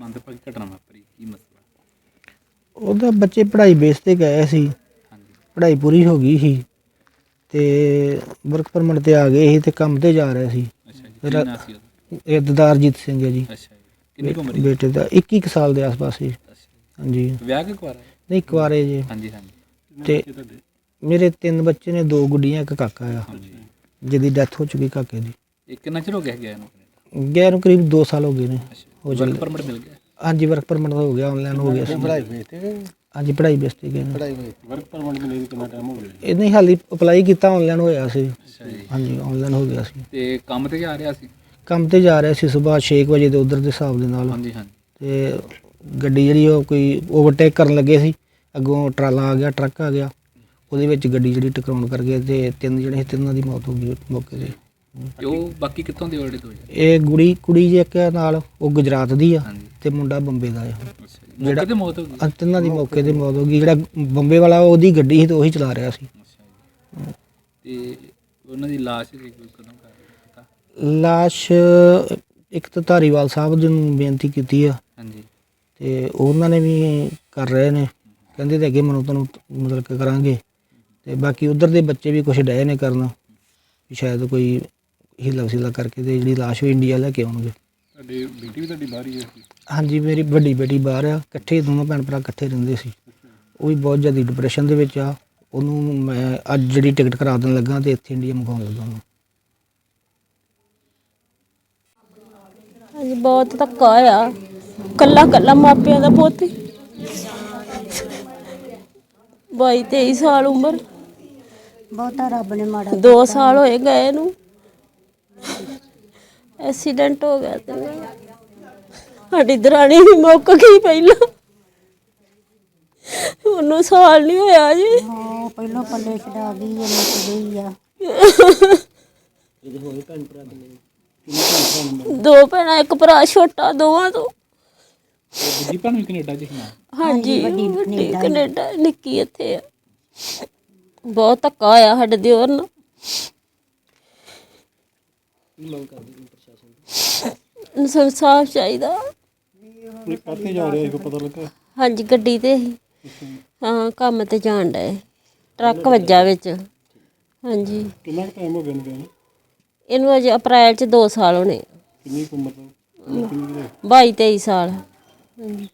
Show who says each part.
Speaker 1: ਮੰਦਭਾਗੀ ਘਟਨਾ ਵਾਪਰੀ, ਕੀ ਮਸਲਾ?
Speaker 2: ਉਹਦਾ ਬੱਚੇ ਪੜ੍ਹਾਈ ਬੇਸ ਤੇ ਗਏ ਸੀ,
Speaker 1: ਹਾਂਜੀ
Speaker 2: ਪੜ੍ਹਾਈ ਪੂਰੀ ਹੋ ਗਈ ਸੀ ਤੇ ਵਰਕ ਪਰਮਿਟ ਤੇ ਆ ਗਏ ਸੀ ਤੇ ਕੰਮ ਤੇ ਜਾ ਰਹੇ ਸੀ।
Speaker 1: ਅੱਛਾ ਜੀ, ਕੀ ਨਾਂ ਸੀ ਉਹਦਾ?
Speaker 2: ਇਹ ਦਦਾਰਜੀਤ ਸਿੰਘ ਹੈ ਜੀ,
Speaker 1: ਅੱਛਾ ਜੀ, ਕਿੰਨੀ ਕੁ ਉਮਰ ਸੀ?
Speaker 2: ਬੇਟੇ ਦਾ 21 ਕੁ ਸਾਲ ਦੇ ਆਸ-ਪਾਸ ਸੀ।
Speaker 1: ਅੱਛਾ ਜੀ,
Speaker 2: ਹਾਂਜੀ,
Speaker 1: ਵਿਆਹ ਕੇ ਕੁਆਰਾ?
Speaker 2: ਨਹੀਂ ਕੁਆਰੇ ਜੀ।
Speaker 1: ਹਾਂਜੀ ਹਾਂਜੀ।
Speaker 2: ਤੇ ਮੇਰੇ 3 ਬੱਚੇ ਨੇ, 2 ਗੁੱਡੀਆਂ, 1 ਕਾਕਾ ਆ
Speaker 1: ਹਾਂਜੀ,
Speaker 2: ਜਿਹਦੀ ਡੈਥ ਹੋ ਚੁੱਕੀ ਕਾਕੇ ਦੀ।
Speaker 1: ਇਹ ਕਿੰਨਾ ਚਿਰ ਹੋ ਗਿਆ ਗਿਆ ਇਹਨੂੰ?
Speaker 2: ਗਏ ਨੂੰ ਕਰੀਬ 2 ਸਾਲ ਹੋ ਗਏ ਨੇ। ਹੋ
Speaker 1: ਵਰਕ
Speaker 2: ਚੱਲੇ।
Speaker 1: ਪਰਮਿਟ ਮਿਲ ਗਿਆ?
Speaker 2: ਹਾਂਜੀ, ਵਰਕ ਪਰਮਿਟ ਹੋ ਗਿਆ, ਆਨਲਾਈਨ ਹੋ ਗਿਆ ਸੀ।
Speaker 3: ਪੜ੍ਹਾਈ ਬੇਸ ਤੇ ਗਏ?
Speaker 2: ਹਾਂਜੀ, ਪੜ੍ਹਾਈ ਬੇਸ ਤੇ ਗਏ ਨੇ।
Speaker 3: ਪੜ੍ਹਾਈ ਬੇਸ ਤੇ ਵਰਕ ਪਰਮਿਟ ਮਿਲੇ ਨੂੰ ਕਿੰਨਾ ਟਾਈਮ ਹੋ ਗਿਆ?
Speaker 2: ਇਹ ਨਹੀਂ ਹਾਲੀ ਅਪਲਾਈ ਕੀਤਾ, ਆਨਲਾਈਨ ਹੋਇਆ ਸੀ।
Speaker 1: ਅੱਛਾ ਜੀ,
Speaker 2: ਹਾਂਜੀ, ਆਨਲਾਈਨ ਹੋ ਗਿਆ ਸੀ।
Speaker 1: ਤੇ ਕੰਮ ਤੇ ਜਾ ਰਿਹਾ ਸੀ?
Speaker 2: ਕੰਮ ਤੇ ਜਾ ਰਿਹਾ ਸੀ ਸੁਬਾਹ 6 ਵਜੇ ਦੇ ਉਧਰ ਦੇ ਹਿਸਾਬ ਦੇ ਨਾਲ।
Speaker 1: ਹਾਂਜੀ ਹਾਂਜੀ।
Speaker 2: ਤੇ ਗੱਡੀ ਜਿਹੜੀ ਉਹ ਕੋਈ ਓਵਰਟੇਕ ਕਰਨ ਲੱਗੇ ਸੀ, ਅੱਗੋਂ ਟਰਾਲਾ ਆ ਗਿਆ, ਟਰੱਕ ਆ ਗਿਆ, ਉਹਦੇ ਵਿੱਚ ਗੱਡੀ ਜਿਹੜੀ ਟਕਰਾਉਣ ਕਰ ਗਏ ਤੇ 3 ਜਿਹੜੇ ਸੀ, 3 ਦੀ ਮੌਤ ਹੋ ਗਈ ਮੌਕੇ ਤੇ।
Speaker 1: ਤੇ ਉਹ ਬਾਕੀ ਕਿੱਥੋਂ ਦੇ ਆਲਰੇਡੀ ਦੋ?
Speaker 2: ਇਹ ਕੁੜੀ ਜੀ ਇੱਕ ਨਾਲ, ਉਹ ਗੁਜਰਾਤ ਦੀ ਆ
Speaker 1: ਹਾਂਜੀ।
Speaker 2: ਤੇ ਮੁੰਡਾ ਬੰਬੇ ਦਾ ਆ।
Speaker 1: ਅੱਛਾ ਜੀ, ਮੌਕੇ ਤੇ ਮੌਤ ਹੋ ਗਈ?
Speaker 2: 3 ਦੀ ਮੌਕੇ ਤੇ ਮੌਤ ਹੋ ਗਈ। ਜਿਹੜਾ ਬੰਬੇ ਵਾਲਾ ਉਹਦੀ ਗੱਡੀ ਸੀ ਤੇ ਉਹੀ ਚਲਾ ਰਿਹਾ ਸੀ।
Speaker 1: ਅੱਛਾ ਜੀ, ਤੇ ਉਹਨਾਂ ਦੀ ਲਾਸ਼ ਕਦੋਂ ਕਰ ਪਤਾ?
Speaker 2: ਲਾਸ਼ ਇੱਕ ਤਾਂ ਧਾਰੀਵਾਲ ਸਾਹਿਬ ਜੀ ਨੂੰ ਬੇਨਤੀ ਕੀਤੀ ਆ
Speaker 1: ਹਾਂਜੀ
Speaker 2: ਤੇ ਉਹਨਾਂ ਨੇ ਵੀ ਕਰ ਰਹੇ ਨੇ, ਕਹਿੰਦੇ ਤੇ ਅੱਗੇ ਮੈਨੂੰ ਤੁਹਾਨੂੰ ਮਤਲਬ ਕਿ ਕਰਾਂਗੇ। ਤੇ ਬਾਕੀ ਉਧਰ ਦੇ ਬੱਚੇ ਵੀ ਕੁਛ ਡਏ ਨੇ ਕਰਨ ਵੀ ਸ਼ਾਇਦ ਕੋਈ ਹੀਲਾ ਵਸੀਲਾ ਕਰਕੇ ਤੇ ਜਿਹੜੀ ਲਾਸ਼ ਉਹ ਇੰਡੀਆ ਲੈ ਕੇ ਆਉਣਗੇ।
Speaker 3: ਤੁਹਾਡੀ ਬੇਟੀ ਵੀ ਤੁਹਾਡੀ ਬਾਹਰ ਹੀ ਹੈ?
Speaker 2: ਹਾਂਜੀ, ਮੇਰੀ ਵੱਡੀ ਬੇਟੀ ਬਾਹਰ ਆ, ਇਕੱਠੇ ਦੋਨੋਂ ਭੈਣ ਭਰਾ ਇਕੱਠੇ ਰਹਿੰਦੇ ਸੀ। ਉਹ ਵੀ ਬਹੁਤ ਜ਼ਿਆਦਾ ਡਿਪਰੈਸ਼ਨ ਦੇ ਵਿੱਚ ਆ। ਉਹਨੂੰ ਮੈਂ ਅੱਜ ਜਿਹੜੀ ਟਿਕਟ ਕਰਾ ਦੇਣ ਲੱਗਾ ਤੇ ਇੱਥੇ ਇੰਡੀਆ ਮੰਗਵਾਉਣ ਲੱਗਾ ਉਹਨੂੰ।
Speaker 4: ਹਾਂਜੀ, ਬਹੁਤ ਧੱਕਾ ਆ, ਕੱਲਾ ਕੱਲਾ ਮਾਪਿਆਂ ਦਾ ਪੁੱਤ, 22-23 ਸਾਲ ਉਮਰ,
Speaker 5: ਬਹੁਤਾ ਰੱਬ ਨੇ ਮਾੜਾ
Speaker 4: 2 ਸਾਲ ਹੋਏ ਗਏ ਨੂੰ। ਐਕਸੀਡੈਂਟ ਹੋ ਗਿਆ ਤੇ ਸਾਡੀ ਦਰਾਣੀ ਵੀ ਮੁੱਕ ਗਈ ਪਹਿਲਾਂ, ਉਹਨੂੰ ਸਾਲ ਨਹੀਂ ਹੋਇਆ ਜੀ।
Speaker 5: ਹਾਂ, ਪਹਿਲੋਂ ਪੱਲੇ ਛਡਾ ਗਈ, ਇਹ ਮੁੱਕ ਗਈ ਆ।
Speaker 4: 2 ਭੈਣਾਂ, 1 ਭਰਾ ਛੋਟਾ ਦੋਵਾਂ ਤੋਂ।
Speaker 1: ਦੂਜੀ ਭੈਣ ਵੀ ਕੈਨੇਡਾ ਚ ਸੀ ਨਾਲ?
Speaker 4: ਹਾਂਜੀ, ਵੱਡੀ ਕੈਨੇਡਾ, ਨਿੱਕੀ ਇੱਥੇ ਆ। ਬਹੁਤ ਧੱਕਾ ਹੋਇਆ ਸਾਡੇ ਦਿਓਰ ਨਾਲ। ਇਨਸਾਫ ਚਾਹੀਦਾ।
Speaker 3: ਕਾਹਤੇ ਜਾ ਰਿਹਾ ਸੀ, ਪਤਾ ਲੱਗਾ?
Speaker 4: ਹਾਂਜੀ, ਗੱਡੀ ਤੇ ਸੀ। ਹਾਂ, ਕੰਮ ਤੇ ਜਾਣ ਡਏ, ਟਰੱਕ ਵੱਜਾ ਵਿੱਚ। ਹਾਂਜੀ,
Speaker 3: ਕਿੰਨਾ ਟਾਈਮ ਹੋ ਗਿਆ ਇਹਨੂੰ ਗਏ ਨੂੰ?
Speaker 4: ਇਹਨੂੰ ਅਜੇ ਅਪ੍ਰੈਲ 'ਚ 2 ਸਾਲ ਹੋਣੇ।
Speaker 3: ਕਿੰਨੀ ਕੁ ਉਮਰ ਦਾ?
Speaker 4: 22-23 ਸਾਲ। ਹਾਂਜੀ।